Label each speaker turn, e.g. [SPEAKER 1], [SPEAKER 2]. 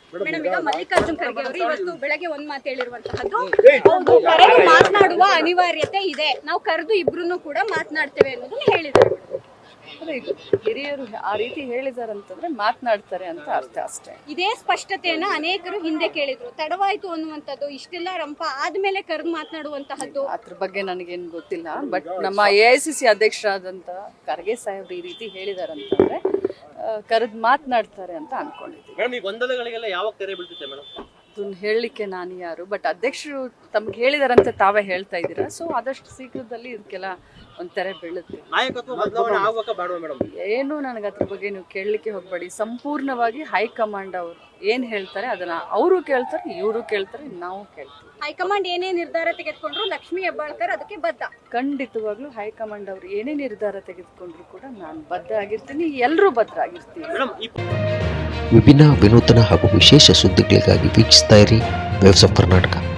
[SPEAKER 1] Madam, ಈಗ ಮಲ್ಲಿಕಾರ್ಜುನ್ ಖರ್ಗೆ ಅವರು ಇವತ್ತು ಬೆಳಗ್ಗೆ ಒಂದ್ ಮಾತು ಹೇಳಿರುವಂತಹದ್ದು, ಹೌದು ಕರೆದು ಮಾತನಾಡುವ ಅನಿವಾರ್ಯತೆ ಇದೆ, ನಾವು ಕರೆದು ಇಬ್ರು ಕೂಡ ಮಾತನಾಡ್ತೇವೆ ಅನ್ನೋದನ್ನ ಹೇಳಿದ್ದಾರೆ.
[SPEAKER 2] ಹಿರಿಯರು ಆ ರೀತಿ ಹೇಳಿದಾರಂತಂದ್ರೆ ಮಾತನಾಡ್ತಾರೆ ಅಂತ ಅರ್ಥ ಅಷ್ಟೇ.
[SPEAKER 1] ಇದೇ ಸ್ಪಷ್ಟತೆಯನ್ನ ಅನೇಕರು ಹಿಂದೆ ಕೇಳಿದ್ರು, ತಡವಾಯ್ತು ಅನ್ನುವಂಥದ್ದು, ಇಷ್ಟೆಲ್ಲ ರಂಪ ಆದ್ಮೇಲೆ ಕರೆದು ಮಾತನಾಡುವಂತಹದ್ದು.
[SPEAKER 2] ಅದ್ರ ಬಗ್ಗೆ ನನಗೇನು ಗೊತ್ತಿಲ್ಲ. ಬಟ್ ನಮ್ಮ AICC ಅಧ್ಯಕ್ಷರಾದಂತ ಖರ್ಗೆ ಸಾಹೇಬ್ರು ಈ ರೀತಿ ಹೇಳಿದಾರಂತಂದ್ರೆ ಕರೆದು ಮಾತನಾಡ್ತಾರೆ ಅಂತ ಅನ್ಕೊಂಡಿದ್ದೀನಿ.
[SPEAKER 3] ಮೇಡಮ್, ಈ ಗೊಂದಲಗಳಿಗೆಲ್ಲ ಯಾವಾಗ ತೆರೆ ಬೀಳ್ತಿದೆ ಮೇಡಮ್?
[SPEAKER 2] ಅದನ್ನ ಹೇಳಲಿಕ್ಕೆ ನಾನು ಯಾರು, ಬಟ್ ಅಧ್ಯಕ್ಷರು ತಮ್ಗೆ ಹೇಳಿದಾರಂತ ತಾವೇ ಹೇಳ್ತಾ ಇದ್ದೀರಾ. ಸೊ ಆದಷ್ಟು ಶೀಘ್ರದಲ್ಲಿ ಇದಕ್ಕೆಲ್ಲ ಒಂದು ತೆರೆ ಬೀಳುತ್ತೆ.
[SPEAKER 3] ನಾಯಕತ್ವ ಬದಲಾವಣೆ ಆಗುವಾಗ ಬೇಡವಾ ಮೇಡಮ್?
[SPEAKER 2] ಏನು ನನಗೆ ಅದ್ರ ಬಗ್ಗೆ ನೀವು ಕೇಳಲಿಕ್ಕೆ ಹೋಗಬೇಡಿ. ಸಂಪೂರ್ಣವಾಗಿ ಹೈಕಮಾಂಡ್ ಅವರು ಏನು ಹೇಳ್ತಾರೆ ಅದನ್ನ ಅವರು ಕೇಳ್ತಾರೆ, ಇವರು ಕೇಳ್ತಾರೆ, ನಾವು ಕೇಳ್ತೀವಿ.
[SPEAKER 1] ಹೈಕಮಾಂಡ್ ಏನೇ ನಿರ್ಧಾರ ತೆಗೆದುಕೊಂಡ್ರು ಲಕ್ಷ್ಮೀ ಹೆಬ್ಬಾಳ್ಕರ್ ಅದಕ್ಕೆ ಬದ್ಧ.
[SPEAKER 2] ಖಂಡಿತವಾಗ್ಲೂ ಹೈಕಮಾಂಡ್ ಅವರು ಏನೇ ನಿರ್ಧಾರ ತೆಗೆದುಕೊಂಡ್ರು ಕೂಡ ನಾನು ಬದ್ಧ ಆಗಿರ್ತೀನಿ, ಎಲ್ಲರೂ ಬದ್ಧ ಆಗಿರ್ತೀವಿ.
[SPEAKER 4] ವಿಭಿನ್ನ ವಿನೂತನ ಹಾಗೂ ವಿಶೇಷ ಸುದ್ದಿಗಳಿಗಾಗಿ ವೀಕ್ಷಿಸ್ತಾ ಇರಿ ವೇವ್ಸ್ ಆಫ್ ಕರ್ನಾಟಕ.